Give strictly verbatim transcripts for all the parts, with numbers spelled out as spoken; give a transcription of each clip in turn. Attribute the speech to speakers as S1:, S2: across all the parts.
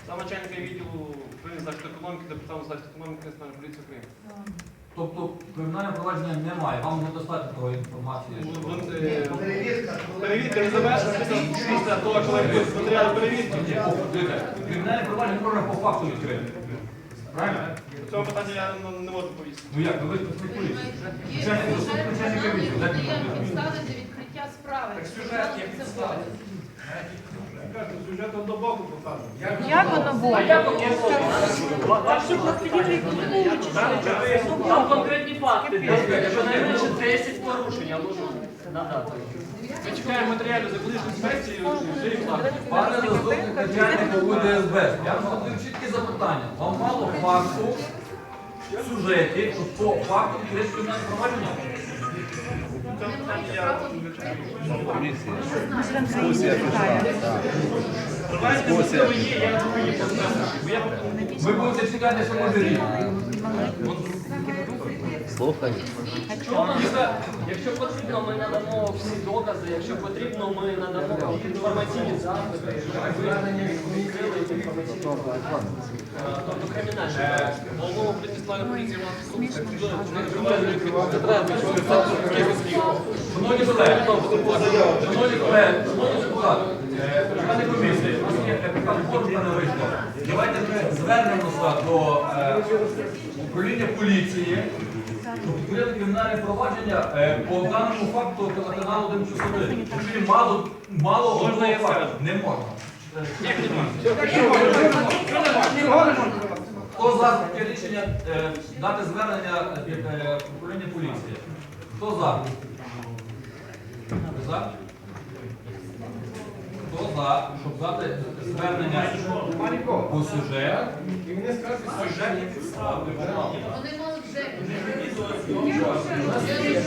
S1: Сам начальника відділу управління захисту економіки, департаменту захисту економіки Національної поліції України.
S2: Тобто кримінальне провадження немає, вам недостатньо такої інформації? що-
S1: Перевірка не завершена після того, коли будуть матеріали перевірки.
S2: Кримінальне провадження можна по факту відкрити. Правильно?
S1: В цьому питанні я не- не можу повісти.
S2: Ну як, ви працівник поліції?
S3: Є
S2: Начальник
S3: сюжет,
S2: начальника відділу, дайте
S3: є
S2: мені.
S3: підстави для відкриття справи.
S4: Так сюжет є
S3: Це
S4: підстави.
S3: буде.
S1: Сюжет однобоку показує.
S5: Як воно було?
S6: Там конкретні факти, щонайменше десять порушень, я можу надати.
S1: Ми чекаємо матеріалів за колишню інспекцію, вже їх так.
S2: Пане заступник начальника УДСБ, я вам задаю чіткі запитання. Вам мало факту в сюжеті, що по факту відкрити кримінальне провадження?
S1: В цьому питанні я Давайте, можливо, є, я думаю, є бо я
S2: Ви будете чекати, що може рік.
S7: Слухай.
S6: Якщо, якщо потрібно, ми надамо всі докази, якщо потрібно, ми надамо інформаційні запити, звернення відкрили інформаційні запити. Тобто кримінальні.
S1: головного управління поліції у нас
S2: Шановні колеги, шановні колеги, шановні депутати, е, члени комісії, у нас є така формула не вийшла. Давайте ми звернемося до е, управління поліції, щоб відкрити кримінальне провадження е, по даному факту телеканалу один плюс один. Якщо є мало, мало
S1: Можна
S2: одного
S1: я
S2: факту.
S1: скажу?
S2: Не можна.
S1: Як немає?
S2: Хто за таке рішення е, дати звернення від е, управління поліції? Хто за? Ви за? Хто за, щоб дати звернення по сюжету? Сюжет є підстави.
S3: Вони можуть вже.
S2: У нас є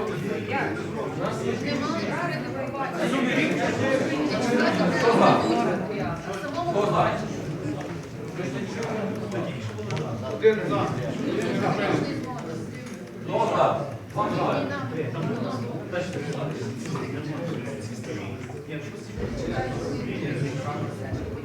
S2: Хто за? Хто за? Хто за? Вам за.